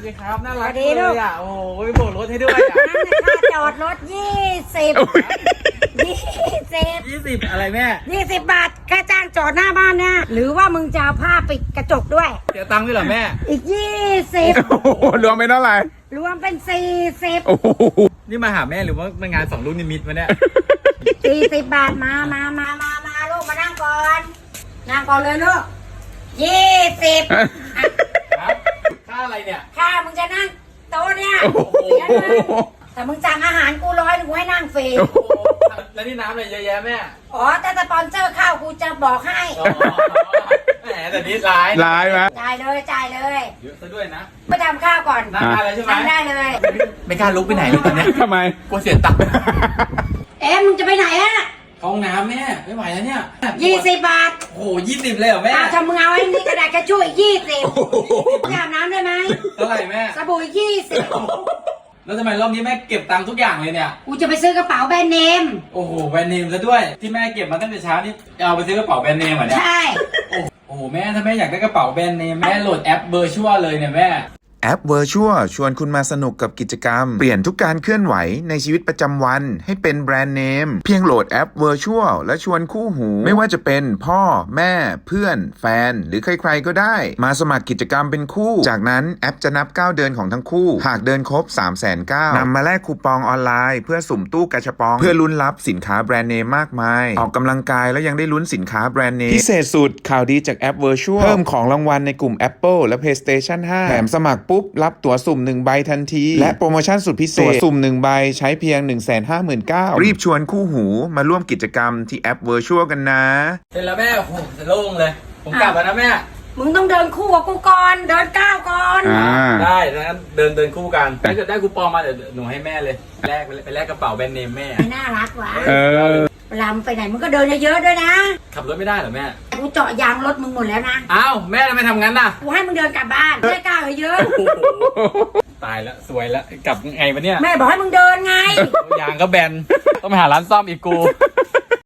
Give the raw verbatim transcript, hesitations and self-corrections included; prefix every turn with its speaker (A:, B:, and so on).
A: ดีครับน่ารักเลยอ่ะโอ้ยโบกรถให้ด้วยอ่ะ
B: นั่นนะค่าจอดรถยี่สิบยี่สิบ
A: ยี่สิบอะไรแม่
B: ยี่สิบบาทค่าจ้างจอดหน้าบ้านนะหรือว่ามึงจะเอาผ้าปิดกระจกด้วย
A: เสียตังค์ด้วยเหรอแม่
B: อีกยี่สิบ
C: โอ้โหรวมเป็นเท่าไหร่
B: รวมเป็นสี่สิบ
C: โอ้โห
A: นี่มาหาแม่หรือว่ามางานสองลูกนิมิตมาเนี่ย
B: สี่สิบบาทมามามามามาลูกมานั่งก่อนนั่งก่อนเลยลูกยี่สิบ
A: ครับค่าอะไรเนี่ย
B: ค่ามึงจะนั่งโต๊ะเนี่ย
C: โอ้โห
B: เสียเงินแต่มึงสั่งอาหารกูร้อยหนึ่งกูให้นั่งฟรี
A: แล้วนี่น้ำอะไรเยอะแยะแม่
B: อ๋อแต่สปอนเซอร์เข้ากูจะบอกให้
A: อ๋อแหมแต่นี่ร้าย
C: ร้ายไหม
B: จ่ายเลยจ่ายเลย
A: เยอะซะด้วยนะ
B: ไปทำข้าวก่อน
A: นั่งได้เลยใช่ไหม
B: นั่งได้เลย
A: ไม่กล้าลุกไปไหนเลยตอนเนี้ย
C: ทำไม
A: กลัวเสียตังค์
B: เอ๊ะมึงจะไปไหนอะ
A: ห้องน้ำแม่ไม่ไหวแล้วเนี่ย
B: ยี่สิบบาท
A: โอ้โหยี่สิบเลยเหรอแม่
B: อ้าวถ้ามึงเอาไอ้นี่กระดาษกระช่วยยี่สิบจะอาบน้ำได้ไหม
A: เท่าไหร่แม่
B: สบู่ยี่สิบ
A: แล้วทำไมรอบนี้แม่เก็บตังค์ทุกอย่างเลยเนี่ย
B: กูจะไปซื้อกระเป๋าแบรนด์เนม
A: โอ้โหแบรนด์เนมซะด้วยที่แม่เก็บมาตั้งแต่เช้านี่เอาไปซื้อกระเป๋าแบรนด์เนมเหรอเนี่ย
B: ใช่
A: โอ้โหแม่ถ้าแม่อยากได้กระเป๋าแบรนด์เนมแม่โหลดแอปเบอร์ชัวเลยเนี่ยแม่
D: แอป Virtual ชวนคุณมาสนุกกับกิจกรรม เปลี่ยนทุกการเคลื่อนไหวในชีวิตประจำวันให้เป็นแบรนด์เนม เพียงโหลดแอป Virtual และชวนคู่หู ไม่ว่าจะเป็นพ่อแม่เพื่อนแฟน หรือใครๆก็ได้ มาสมัครกิจกรรมเป็นคู่ จากนั้นแอปจะนับก้าวเดินของทั้งคู่ หากเดินครบ สามแสนเก้าพัน นำมาแลกคูปองออนไลน์เพื่อสุ่มตู้กาชาปอง เพื่อลุ้นรับสินค้าแบรนด์เนมมากมาย ออกกำลังกายแล้วยังได้ลุ้นสินค้าแบรนด์เนมพิเศษสุดข่าวดีจากแอป Virtual เพิ่มของรางวัลในกลุ่ม Apple และ PlayStation ห้า แถมสมัครปุ๊บรับตั๋วสุ่มหนึ่งใบทันที และโปรโมชั่นสุดพิเศษตั๋วสุ่มหนึ่งใบใช้เพียง หนึ่งแสนห้าหมื่นเก้าพัน รีบชวนคู่หูมาร่วมกิจกรรมที่แอป Virtual กันนะ
A: เสร็จแล้วแม่โอ้โหจะโล่งเลย ผมกลับแล้วนะแม่
B: มึงต้องเดินคู่กับกูก่อนเดินก้าวก่อน
C: อ่า
A: ได้ดังนั้นเดินเดินคู่กันถ้าเกิดได้คูปองมาเดี๋ยวหนูให้แม่เลยแลกไปแลกกระเป๋าแบรนด์เนมแม่
B: ไม่น่ารักวะ
C: เออ
B: เวลามึงไปไหนมึงก็เดินเยอะๆด้วยนะ
A: ขับรถไม่ได้เหรอแม่
B: กูเจาะยางรถมึงหมดแล้วนะ
A: อ้าวแม่ทำไมทำงั้นน่ะ
B: กูให้มึงเดินกลับบ้านไม่ก้าวเยอะ
A: โอ้โหตายแล้วสวยแล้วกลับไงวะเนี่ย
B: แม่บอกให้มึงเดินไง
A: ยางก็แบนต้องไปหาร้านซ่อมอีกกู